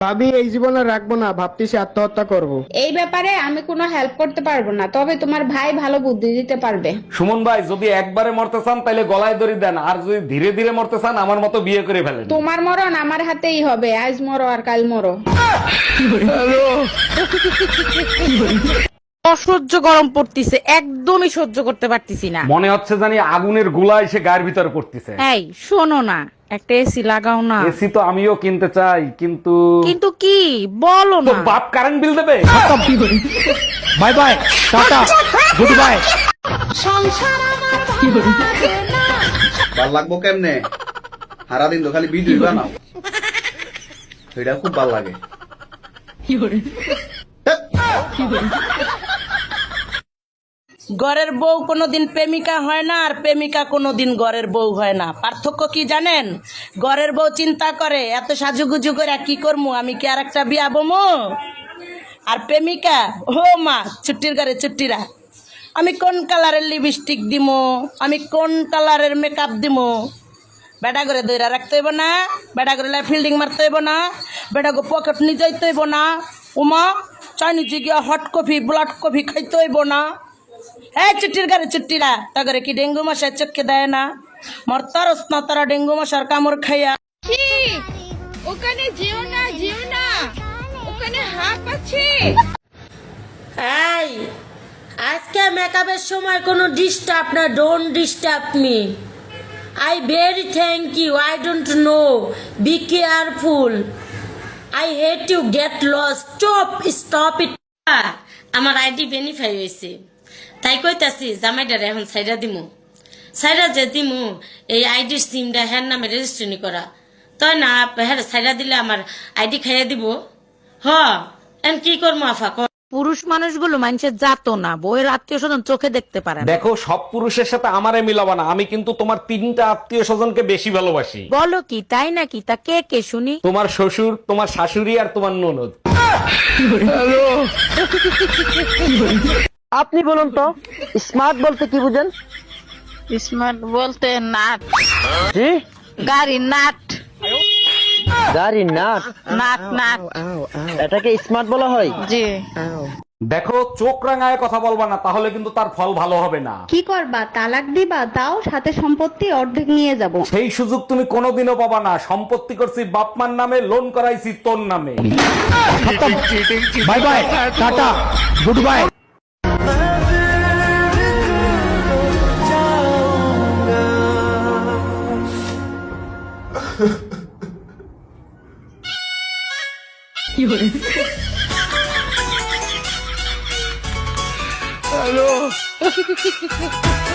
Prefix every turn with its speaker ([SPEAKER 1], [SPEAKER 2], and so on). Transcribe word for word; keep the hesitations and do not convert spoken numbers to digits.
[SPEAKER 1] ভাবি এই জীবনে রাখবো না, ভাবতেছি আত্মহত্যা করব।
[SPEAKER 2] এই ব্যাপারে আমি কোনো হেল্প করতে পারবো না, তবে তোমার ভাই ভালো বুদ্ধি দিতে পারবে।
[SPEAKER 3] সুমন ভাই, যদি একবারে মরতে চান তাহলে গলায় দড়ি দেন, আর যদি ধীরে ধীরে মরতে চান আমার মতো বিয়ে করে ফেলেন।
[SPEAKER 2] তোমার মরণ আমার হাতেই হবে, আজ মরো আর কাল মরো।
[SPEAKER 4] অসহ্য গরম পড়তিছে, একদমই সহ্য করতে পারতিছি না।
[SPEAKER 3] মনে হচ্ছে জানি আগুনের গোলা এসে গায়ের ভিতরে পড়তেছে।
[SPEAKER 4] এই শোনো না, একটা এসি লাগাও না।
[SPEAKER 3] এসি তো আমিও কিনতে চাই, কিন্তু
[SPEAKER 4] কিন্তু কি বলো
[SPEAKER 3] তো
[SPEAKER 4] না।
[SPEAKER 3] বাপ কারেন্ট বিল দেবে।
[SPEAKER 1] Bye bye, tata, good bye.
[SPEAKER 5] ভাল লাগবো কেমনে? সারাদিন তো খালি ভিডিও বানাও, সেটা খুব ভাল লাগে।
[SPEAKER 6] ঘরের বউ কোনোদিন প্রেমিকা হয় না, আর প্রেমিকা কোনোদিন ঘরের বউ হয় না। পার্থক্য কি জানেন? ঘরের বউ চিন্তা করে এত সাজুগুজু করে কি করবো, আমি কি আর একটা বিয়া বমো? আর প্রেমিকা, ও মা ছুটির ঘরে ছুটিরা, আমি কোন কালারের লিপস্টিক দিমো, আমি কোন কালারের মেকআপ দিমো। বেটা করে দইরা রাখতে হইব না, বেটা করে ফিল্ডিং মারতে হইব না, বেটা গো পকেট নিয়ে যাইতে হইব না, উমা চাইনিজে গিয়া হট কফি ব্লাড কফি খাইতে হইব না। এই চুট্টির ঘরে চুট্টিরা, তাগরে কি ডেঙ্গু মশার চোখে দেয় না? মরতারস না তারা ডেঙ্গু মশার কামড় খাইয়া।
[SPEAKER 2] ওখানে যেও না, যেও না, ওখানে হাঁপ আছে।
[SPEAKER 6] এই আজকে মেকআপের সময় কোনো ডিস্টার্ব না, don't disturb me. I very thank you, I don't know, be careful, I hate you, get lost, stop stop it. আমার আইডি ভেরিফাই হয়েছে, তাই কইতাছি জামাইডারে এখন সাইডা দিমু। সাইডা যে দিমু, এই আইডির সিমটা হ্যার নামে রেজিস্ট্রেশন করা, তাই না? হ্যাঁ সাইডা দিলে আমার আইডি খাইয়া দিব। হ এন কি করবো আফা?
[SPEAKER 4] পুরুষ মানুষগুলো মানুষের জাতো না, বইয়ের আত্মীয় স্বজন চোখে দেখতে পারে না।
[SPEAKER 3] দেখো, সব পুরুষের সাথে আমারে মিলাবা না, আমি কিন্তু তোমার তিনটা আত্মীয় স্বজনকে বেশি ভালোবাসি।
[SPEAKER 4] বলো কি, তাই নাকি? তা কে কে শুনি?
[SPEAKER 3] তোমার শ্বশুর, তোমার শাশুড়ি আর তোমার ননদ।
[SPEAKER 1] আপনি বলুন তো, স্মার্ট বলতে কি বুঝেন?
[SPEAKER 4] স্মার্ট বলতে নাট,
[SPEAKER 1] জি,
[SPEAKER 4] গাড়ি নাট,
[SPEAKER 1] গাড়ি নাট।
[SPEAKER 4] নাট নাট,
[SPEAKER 1] এটাকে স্মার্ট বলা হয়?
[SPEAKER 4] জি।
[SPEAKER 3] দেখো, চোখ রাঙায় কথা বলবা না, তাহলে কিন্তু তার ফল ভালো হবে না।
[SPEAKER 2] কি করবা, তালাক দিবা? তাও সাথে সম্পত্তি অর্ধেক নিয়ে যাব।
[SPEAKER 3] সেই সুযোগ তুমি কোনোদিনও পাবা না। সম্পত্তি করছি বাপমার নামে, লোন করাইছি তোর নামে।
[SPEAKER 1] Bye bye, tata, good bye.
[SPEAKER 5] Hello.